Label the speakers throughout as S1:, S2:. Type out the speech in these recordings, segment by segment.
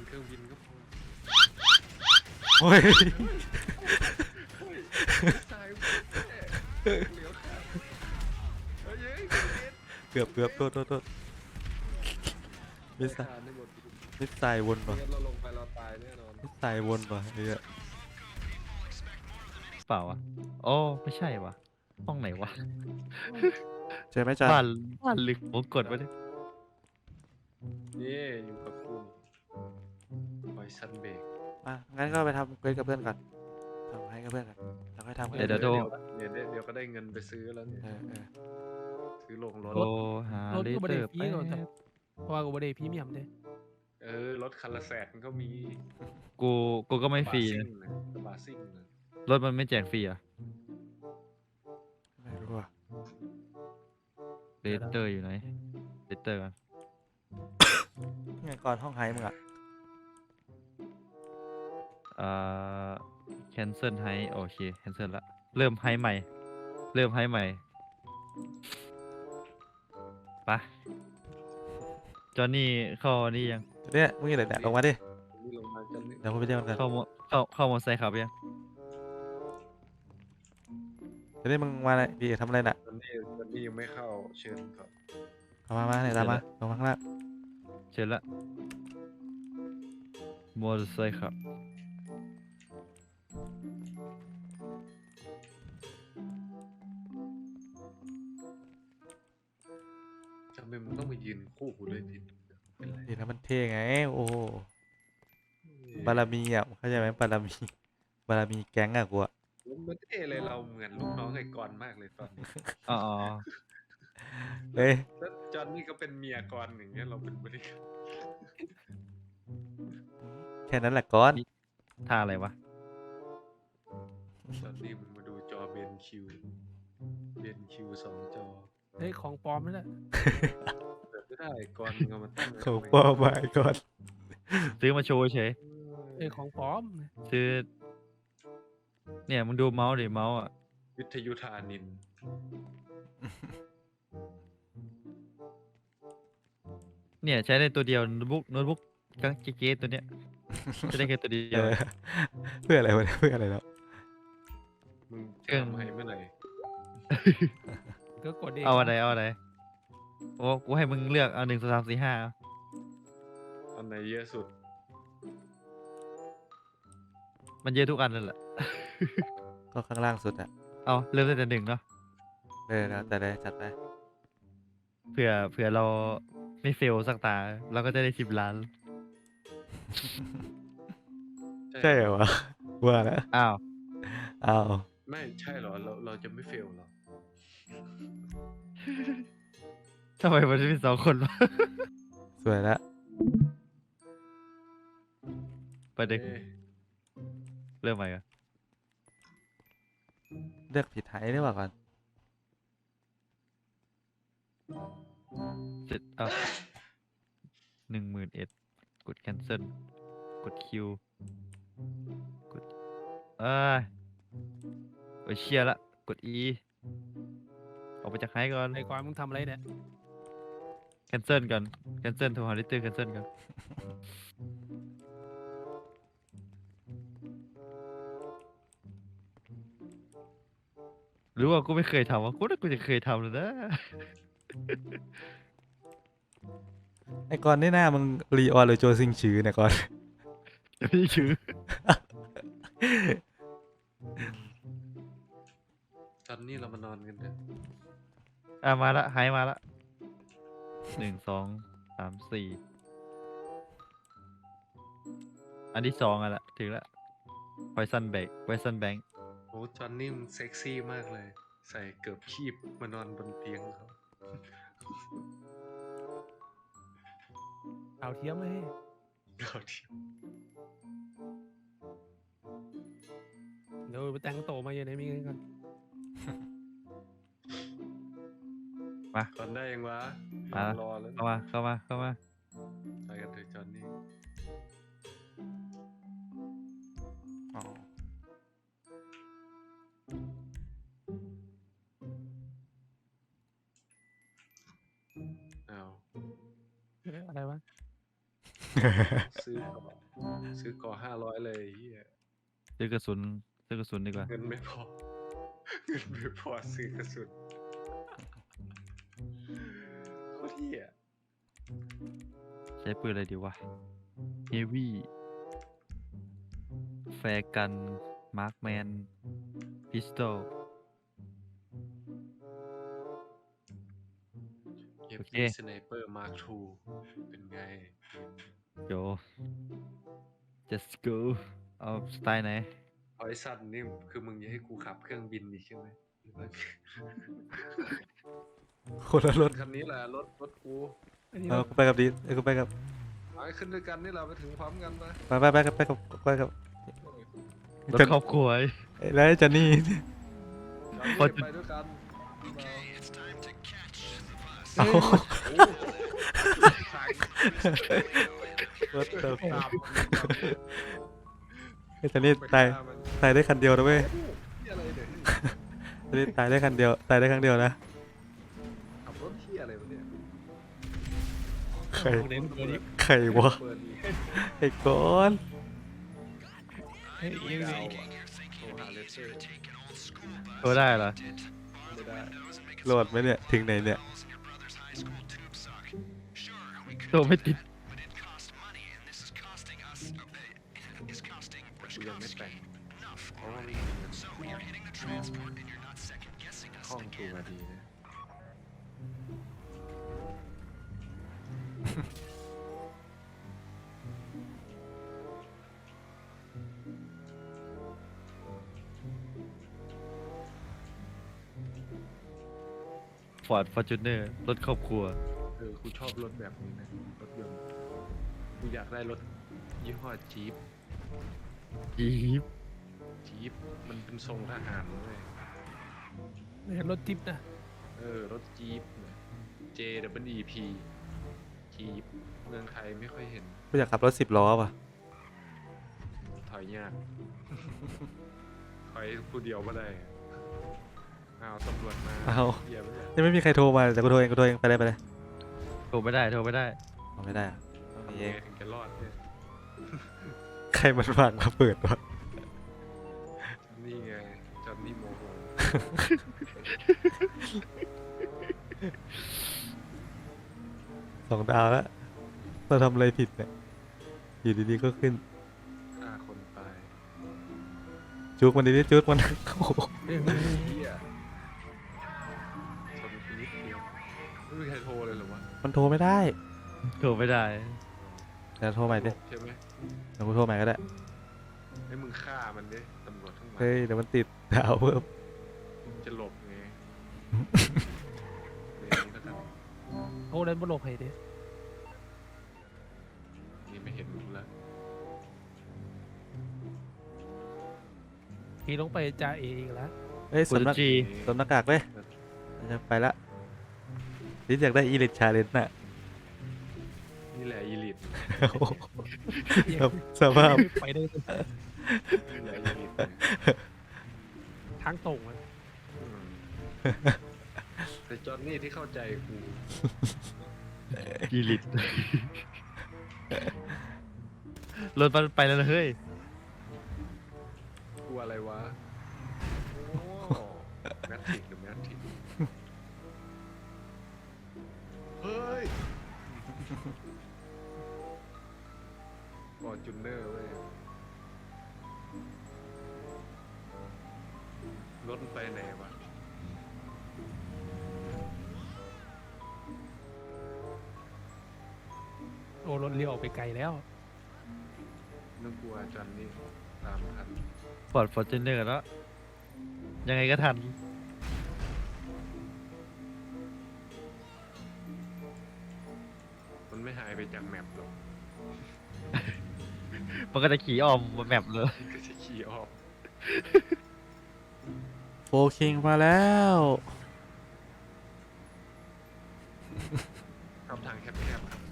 S1: เครื่องบินก็พอ
S2: โอ้ย
S1: ตายเหลียวขาเฮ้ย
S2: เกือบโทษมิสไซ
S1: ขาดในหมด
S2: มิสไซวนป่ะ
S1: งั้นเราลงไปเราตายแน่นอน
S2: มิสไซวนป่ะไอ้เนี่ย
S3: เปล่าวะโอ้ไม่ใช่วะห้องไหนวะ
S2: ใช่ไหมจัน
S3: บ้านลึกผมกดไปเลย
S1: นี่อยู่กับคุณไวซันเบก
S2: อ่ะงั้นก็ไปทำเควสกับเพื่อนก่อนทำให้กับเพื่อนก่อนแล้วค่อยทำให้
S3: เดี๋ยวโทร
S1: เดี๋ยวก็ได้เงินไปซื้อแล้วเนี่ย ซื้อลงรถ
S3: โทรหาร
S4: ถ
S3: เล
S4: ก็บ่
S3: เตอ
S4: ได้
S3: ร์
S4: ฟรี
S3: แป๊
S4: ก่อนแต่
S3: บ
S4: เพราะว่ากูบ่ได้พรีเมียมเด้
S1: รถคันละ100,000ก็มี
S3: กูก็ไม่ฟรีนะ
S1: บาซิ่งนะ
S3: รถมันไม่แจกฟรีอ่ะ
S2: ไม่รู้อ่ะ
S3: เลเตอร์อยู่ไหนเลเตอร์กัน
S2: ไงก่อนห้องไฮมึงอ่ะ
S3: อ่า cancel ให้โอเค cancel ละเริ่มให้ใหม่ไปจอห์นนี่เข้านี่ยัง
S2: เนี่ยมึงอยู่ไหนเนี่ยลงมาดิ
S1: นี่ลงมากันนี่
S2: เดี๋ยวผมไปเรียกมันกัน
S3: เข้ามอไซค์ขับยัง
S2: เดี๋ยวนี้มึงมาเลยพี่ทำอะไรน่ะ
S1: ตอนนี้ยังไม่เข้าเชิญครับ
S2: เอามาเนี่ยตามมาลงมาข้างล่าง
S3: เชิญละมอเตอร์ไซค์ขับ
S1: ทำไมมึงต้องมายืนคู่กูด้วยดิเป็นไร
S2: ดีนะมันเท่ไงโอ้โหบารมีอ่ะเข้าใจไหมบารมีแก๊งอ่ะกูอ่ะ
S1: มันเท่เลยเราเหมือนลูกน้องไอ้กรณ์มากเลยตอนนี้
S3: อ๋อ
S2: เฮ้ย
S1: แล้วจอนนี่ก็เป็นเมียกรณ์อย่างเงี้ยเราเป็นบริการ
S2: แค่นั้นแหละก้อน
S3: ท่าอะไรวะ
S1: จอนนี่มึงมาดูจอเบนคิว2 จอ
S4: เฮ้ยของปลอมนั่นแหละ
S1: เปิดไม่ได้กรณ์มึงเอามาตั้งไว้
S2: ของ
S1: ทำไม
S2: ป้อมาไอ้ก้อน
S3: ซื้อมาโชว์เฉย
S4: เฮ้ยของปลอม
S3: ซื้อ เนี่ยมึงดูเมาส์ดิเมาส์อ่ะ
S1: วิทยุธานิน
S3: เนี่ยใช้ได้ตัวเดียวโน้ตบุ๊กกังเก๊ตัวเนี้ยใช้ได้แค่ตัวเดี
S2: เอ
S3: ยว
S2: อเพื่ออะไรวะเนี่ยเพื่ออะไรแล้ว
S1: มึง
S3: เครื่อง
S1: ทำให้เมื่อไหร่
S4: ก็กดเอง
S3: เอาอะไรโอ้กูให้มึงเลือกเอา1 2 3 4 5
S1: อันไหนเยอะสุด
S3: มันเยอะทุกอันนั่นแหละ
S2: ก็ข้างล่างสุดอ่ะ
S3: เอาเริ่มตั้งแต่1เนาะ
S2: แล้วแต่เลยจัดไป
S3: เผื่อเราไม่เฟลสักตา เราก็จะได้10 ล้าน
S2: ใช่เหรอวะว่าแล้ว
S3: อ้าว
S2: อ้าว
S1: ไม่ใช่เหรอเราจะไม่เฟลเหรอ
S3: ทำไมมันมี2 คนวะ
S2: สวยแล้ว
S3: ประเด็น
S1: เอ๊ะ
S3: เริ่มใหม่กัน
S2: เลือกผิดไทยได้ป่ะก่อน
S3: เสร็จเอา11,000กด cancel กด Q กดเอ้ยโอ้ยเชียร์ละกด E ออกไปจากไฮก่อน
S4: ไอ้ก่อนมึงทำอะไรเนี่ย
S3: cancel ก่อน cancel โทรหาลิตเตอร์ cancel ก่อนหรือว่ากูไม่เคยทำวะกูน่ากูจะเคยทำเลยนะ
S2: ไอ้ก้อนนี่หน้ามึงรีออนหรือโจซิงชือเนี่ยก้อน
S3: ไม่ชื่อ
S1: ตอนนี้เรามานอนกันเถอะ
S3: มาละไฮมาละ1 2 3 4อันที่2อ่ะละถึงละไวซันแบงค์
S1: โอ้จอนนี่มึงเซ็กซี่มากเลย ใส่เกือบคีบมานอนบนเตียงเขา
S4: ข่าวเทียมเลย
S1: เราที่
S4: เดี๋ยวไปแต่งโตมาอยู่ในมีเงินกัน
S1: ตอนได้ยังวะ
S3: มา
S1: รอแล้ว
S3: เข้ามา
S1: ไปกันเถอะจอนนี่
S2: อ๋อ
S1: อ้าว
S4: เฮ้ยอะไรวะ
S1: ซื้อก่อซื้อก่อ500เลยเฮีย
S3: ซื้อกระสุนดีกว่า
S1: เงินไม่พอ เงินไม่พอซื้อกระสุนโคตรเฮีย
S3: ใช้ปืนอะไรดีวะ เฮฟวี่ แฟร์กัน มาร์คแมน พิสตอล
S1: เอฟ
S3: โอเค
S1: ดีสไนเปอร์มาร์คทูเป็นไง
S3: โย just go เอาสไตล์ไหน
S1: เอาไอ้สัตว์นี่คือมึงจะให้กูขับเครื่องบินอีกใช่ไหมหรือว่า
S2: คนละรถ
S1: คันนี้แหละรถกู
S4: อันนี้
S2: เอากูไปกับดีกูไปกับ
S1: ไปขึ้นด้วยกันนี่เราไปถึงพร้อมกันไป
S2: ไปกับ
S3: รถครอบครัว
S2: แล้วไอ้จันนี่
S3: พอ
S1: ไปด้วยกัน
S2: เอา
S1: โอ้โห
S2: รถเติม
S1: ตาม
S2: ไอ้จันนี่ตายได้คันเดียวนะเว้ย
S1: ที่อะไรเนี่ย
S2: จันนี่ตายได้คันเดียวตายได้ครั้งเดียวนะ
S1: ขับรถที่อะไรวะเนี่ย
S2: ใคร
S4: เน้นตัวนี้
S2: ใครวะ
S1: เปิดอีก
S2: ไอ้ก้อน
S4: เฮ้ยยัง
S1: ดา
S4: ไง
S1: วอะโทรหาเลเซอร์
S3: ตัวได้เหรอ
S1: ไม่ได้
S2: โหลดไหมเนี่ยถึงไหนเนี่ย
S3: ตัวไม่ติด
S1: กูยังไม่แต่งเพราะว่าไม่มีเงินคล่องตัวดีนะ
S3: ฟอร์ดฟอร์จูเนอร์ รถครอบครัว
S1: กูชอบรถแบบนี้นะรถยนต์กูอยากได้รถยี่ห้อจี๊ป
S3: อีฟ
S1: จี๊ปมันเป็นทรงทหารเลย
S4: ไม่ใช่รถทิปนะ
S1: รถจี๊ปเนี่ย JWEP จี๊ปเมืองไทยไม่ค่อยเห็น
S2: กูอยากขับรถ10 ล้อว่ะ
S1: ถอยยาก ถอยผู้เดียวไม่ได้อ้าวตำรวจมา
S2: เอา
S1: เหี้ยไม่ได้
S2: ยังไม่มีใครโทรมาแต่กูโทรเองไปเลย
S3: โทรไม่ได้
S2: เอาไม่ได้อะ
S1: ทำ
S2: มี
S1: ไง
S2: เอง
S1: ถึงจะรอดเนี่ย
S2: ใครมันวางมาเปิดวะ
S1: นี่ไงจอนนี่โมโห
S2: 2 ดาวแล้วเราทำอะไรผิดเนี่ยอยู่ดีๆก็ขึ้น
S1: ฆ่าคนตาย
S2: จุกมันดีๆจุกมัน โอ้โห
S4: เฮ้ย
S1: เฮียชนกูนิดเดียวไม่มีใครโทรเลยเหรอวะ
S2: มันโทรไม่ได้
S3: โทรไม่ได้
S2: เดี๋ยวโทรใหม่ดิ
S1: ใช่ไหม
S2: เดี๋ยวกูโทรใหม่ก็ได้
S1: ให้มึงฆ่ามันดิตำรวจข้างหลัง
S2: เฮ้ยเดี๋ยวมันติดดาวเพิ่ม
S1: จะหลบไงเดี๋ยวนี้แล้วกัน
S4: โอ้เล่นบนโลกให้ดิ
S1: นี่ไม่เห็นมึงแล้ว
S4: ขี่ลงไปจ่าเออีกแล้ว
S2: เฮ้ย
S3: ฟูจิ
S2: สวมหน้ากากเว้ยจะไปละลิซอยากได้อีลิทชาเลนจ์น่ะ
S1: นี่แหละอีลิท
S2: โอ้โหสภาพ
S4: ไปได้
S1: นี่แหละอีลิทเนี่ย
S4: ทางตรงอะ
S1: อืมแต่จอนนี่ที่เข้าใจกู
S3: อีลิต รถมันไปแล้วนะเฮ้ย
S1: กูอะไรวะโอ้แมทริกหรือแมทริกเฮ้ยฟอร์จูเนอร์เว้ยรถมันไปไหนวะ
S4: โอ้รถเลี้ยวออกไปไกลแล้ว
S1: นึกกลัวจอนนี่ตามทัน
S3: ฟอร์ดฟอร์จูเนอร์แล้ว ยังไงก็ทัน
S1: มันไม่หายไปจากแมปหรอก
S3: มันก็จะขี่อ้อมบนแมปเลย
S1: ก็จะขี่ออก
S2: โฟคิงมาแล้ว
S1: ครับทางแคบๆครับ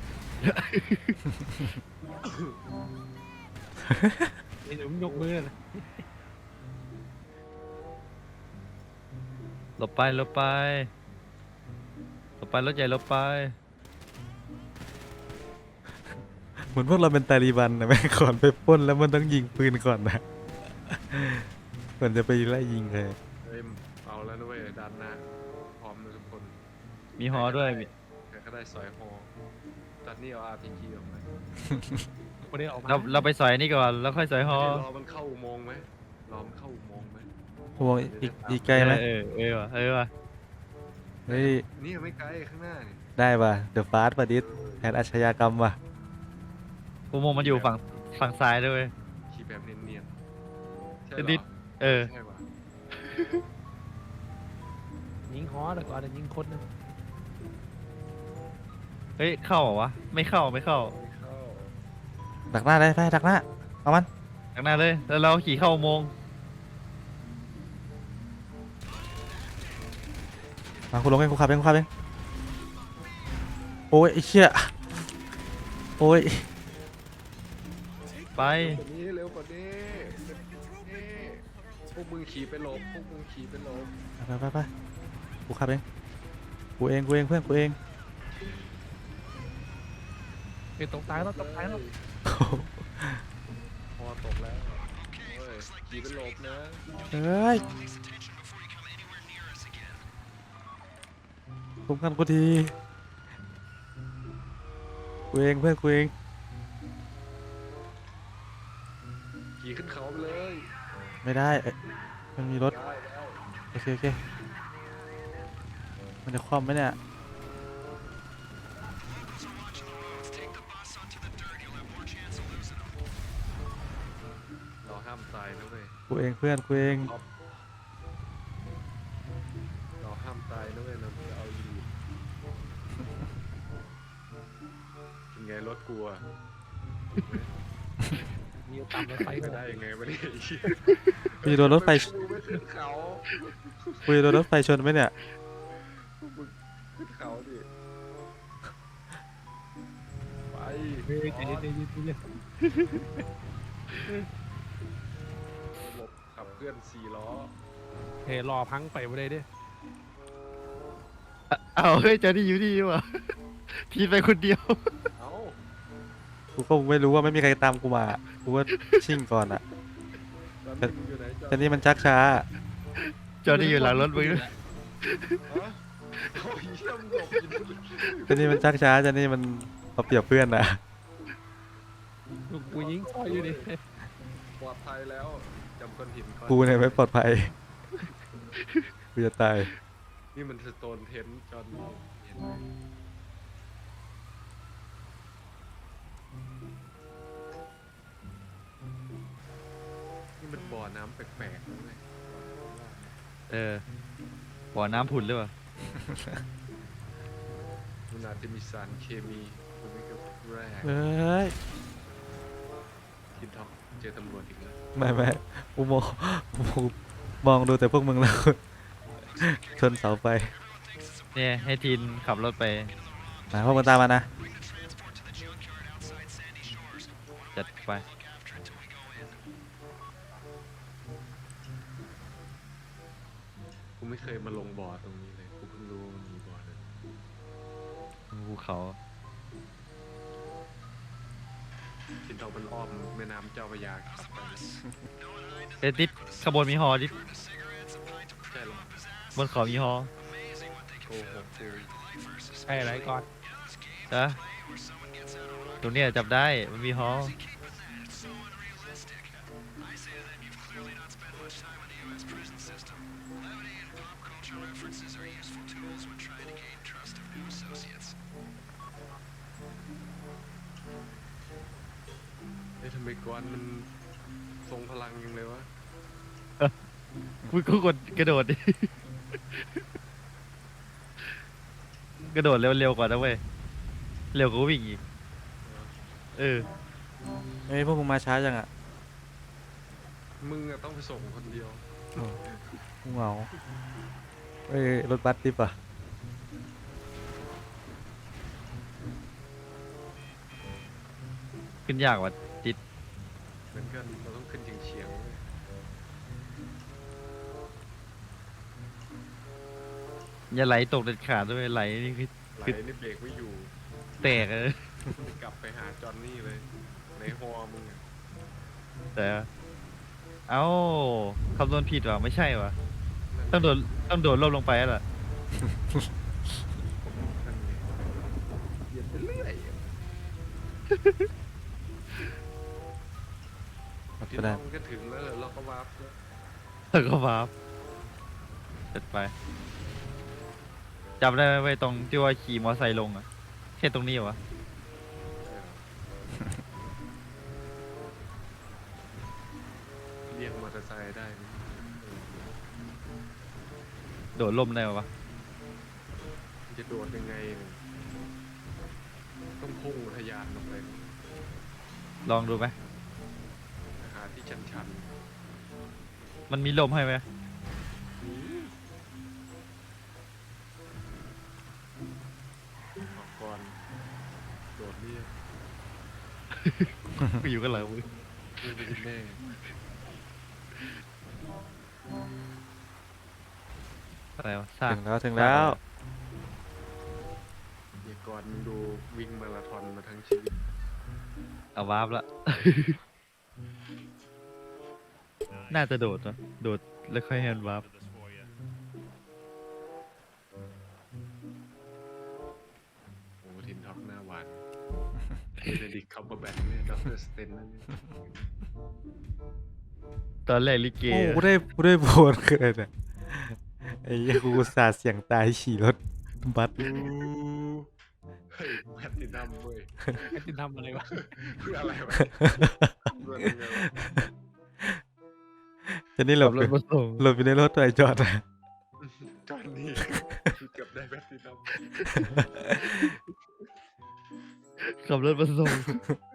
S4: เดี๋ยวมันยกมือนะ
S3: หลบไปหลบไปหลบไปรถใหญ่หลบไป
S2: เหมือนพวกเราเป็นตาลีบันนะแม่งก่อนไปปล้นแล้วมันต้องยิงปืนก่อนนะก่อนจะไปไล่ยิงเลย
S1: เฮ้ยเอาแล้วนะเว้ยด้านหน้าพร้อมนะทุกคน
S3: มีฮอด้วยมี
S1: ใครก็ได้สอยฮอตอนนี้เอา RPG ออกมา
S4: ไม่ได้ออกมา
S3: เราไปสอยนี่ก่อนแล้วค่อยสอยฮอ
S1: รอมันเข้าอุโมงค์ไหมรอมันเข้าอุโมงค์ไหม
S2: พวงอีกไกลไหม
S3: ว่ะ
S2: เฮ้ย
S1: นี่ไม่ไกลข้างหน้านี่
S2: ได้ป่ะเดอะฟาสต์ป่ะดิสแผนอาชญากรรมว่ะ
S3: อุโมงค์มันอยู่ฝั่งซ้ายด้วยเวย
S1: ขี่แบบเนียนๆใช่
S3: จะ
S1: เหร
S3: ดิ
S1: อ
S3: เออ
S1: ใช่ว่ะ
S4: ยิงฮอแต่ก่อนจะยิงคนนะ
S3: เฮ้ยเข้าเหรอวะไม่เข้า
S1: ไม่เข้า
S2: ดักหน้าได้ไปดักหน้าเอามัน
S3: ข้างหน้าเลยแล้วเราขี่เข้าอุโมงค์
S2: มาคุณลงเองคุณขับเองคุณขับเองโอ้ยไอ้เชี่ยโอ้ย
S3: ไป
S1: เร็วกว่านี้นี่พวกมึงขี่ไปหลบพวกมึงขี่ไปหลบ
S2: ไปกูขับเองกูเองเพื่อนกูเอง
S4: เป็นตกตายแล้วตกตายแล้ว
S1: พอตกแล้วเฮ้ยขี่ไปหลบนะ
S2: เฮ้ยคุ้มกันกูทีกูเองเพื่อนกูเอง
S1: ขี่ขึ้นเขาไปเลย
S2: ไม่ได้เอ้ยมันมีรถ
S1: ได้แล้ว
S2: โอเคมันจะคว่ำไหมเนี่ย
S1: เราห้ามตายนะเว้ย
S2: กูเองเพื่อนกูเอง
S1: เราห้ามตายนะเว้ยเราจะเอาอยู่เป็นไงรถกลัว
S4: มีตามรถไฟ
S1: ไป
S4: ก็
S1: ได้
S4: ได้
S1: ยังไงวะเนี่ย
S2: กูจะโดนรถไฟ
S1: มึงไม่ขึ้นเขา
S2: กูจะโดนรถไฟชนไหมเนี่ย
S1: มึงขึ้นเขาดิไป
S4: เฮ้ยใจเย็นใจเย็นใจเย็น
S1: หลบขับเคลื่อน4 ล้อ
S4: เฮ้ยรอพังไปไม่ได้ดิ
S3: เอาเฮ้ยเจอนี่อยู่ดีว่ะ ทีไปคนเดียว
S1: เอ้า
S2: กูก็ไม่รู้ว่าไม่มีใครตามกูมา กูว่าชิ่งก่อนอ่ะ
S1: ตอนนี้มึงอยู่ไหน
S2: แต่นี่มันชักช้า
S3: เจอนี่อยู่หลังรถมึงด้วย
S1: ฮะโอ้ยเยี่ยมหลบอยู่นู่น
S2: แต่นี่มันชักช้าแต่นี่มันเอาเปรียบเพื่อนอ่ะ
S4: กูยิงซอยอยู่ดิ
S1: ปลอดภัยแล้วจำก้อนหินก้อน
S2: กูเนี่ยไม่ปลอดภัย กูจะตาย
S1: นี่มันสโตนเทนจอนเห็นไหมนี่มันบ่อน้ำแปลกๆนะเว้ย
S3: บ่อน้ำผุดหรือเปล่า
S1: มันอาจจะมีสารเคมีคุณไม่ก็แร่
S2: เอ้ย
S1: ทินท็อกเจอตำรวจอีกแล้ว
S2: ไม่กูมองดูแต่พวกมึงแล้ว ชนเสาไฟ
S3: เนี่ยให้ทีนขับรถไป
S2: มาพวกมึงตามมานะ
S3: จัดไป
S1: กูไม่เคยมาลงบ่อตรงนี้เลยกูเพิ่งรู้ว่ามันมีบ่อนั้น
S3: ภูเขา
S1: ทินท็อกมันอ้อมแม่น้ำเจ้าพระยาขับไปนะ
S3: เอ้ยดิดขบวนมีฮอดิด
S1: ใช่หรอบ
S3: นเขามีฮอ
S1: โกหกกู
S4: ใช่อะไรก่อน
S3: นะตรงเนี้ยจับได้มันมีฮอ
S1: เฮ้ยทำไมกวนมันทรงพลังยังเลยวะ
S3: กูกดกระโดดดิ กระโดดเร็วกว่านะเว้ย เร็วกว่าวิ่งอีก เออ
S2: เอ้ยพวกมึงมาช้าจังอ่ะ
S1: มึงอะต้องไปส่งคนเดียว
S2: กูเหงาเอ้ยรถบัสดิบอ่ะ
S3: ขึ้นยากว่ะติด
S1: เหมือนกันเราต้องขึ้นเฉียงๆเว้ย
S3: อย่าไหลตกเด็ดขาดด้วยไหลนี่คือ
S1: ไหลนี่เบรกไม่อยู่
S3: แตกเลย
S1: กลับไปหาจอห์นนี่เลย ในฮอมึงอะ
S3: แต่เอ้าคำนวณผิดว่ะไม่ใช่ว่ะ
S1: นั่น
S3: ต้องโดดล่มลงไปแล้วล่ะ
S1: นั่นไงเหยียดไปเรื่อยอะ ที่
S2: ก็
S1: น้
S2: ได้
S1: องก็ถึงแล้วเราก็วาร์ปแล้ว
S3: แล้วก็วาร์ปจัดไปจำได้ไหมไว้ยตรงที่ว่าขี่มอไซค์ลงอ่ะแค่ตรงนี้เหรอวะ
S1: เรียกมอเตอร์ไซค์ได้ไหม
S3: โดดล่มได้ปะวะ
S1: จะโดดยังไงเนี่ยต้องพุ่งทะยานลงไป
S3: ลองดูไหม
S1: หาที่ชัน
S3: มันมีลมให้ไหม
S1: ๆนี่ออกก่อนโดดเรียก
S3: กูอยู่กันหลังมึง
S1: นี่ไปกินแม่
S3: อะไรวะสร้าง
S2: ถึงแล้ว
S1: เดี๋ยวก่อนมึงดูวิ่งมาราธอนมาทั้งชีวิต
S3: เอาวาร์ปละ น่าจะโดดนะโดดแล้วค่อยให้มันวาร์ป
S1: โอ้ทินท็อกหน้าหวานเบนดิกคัมเบอร์แบ็กเนี่ยด็อกเตอร์สเตนนั่นเนี่ย
S3: ตอนแรกลิเก
S2: โอ้กูได้โบนเกินอ่ะไอ้เหี้ยกูอุตสาห์เสี่ยงตายขี่รถบัส
S1: เฮ้ยแพตตินัมเว้ย
S4: ไอ้ที่ทำอะไรวะ
S1: เพื่ออะไรวะเพื่ออะไรวะ
S2: จะนี่หล
S3: ขั
S2: บบ
S3: รถมาส่ง
S2: หลบอยู่ในรถตัวไอ้จอดอะ
S1: จอนนี่คือเกือบได้แพตตินัม
S3: ขับรถมาส่ง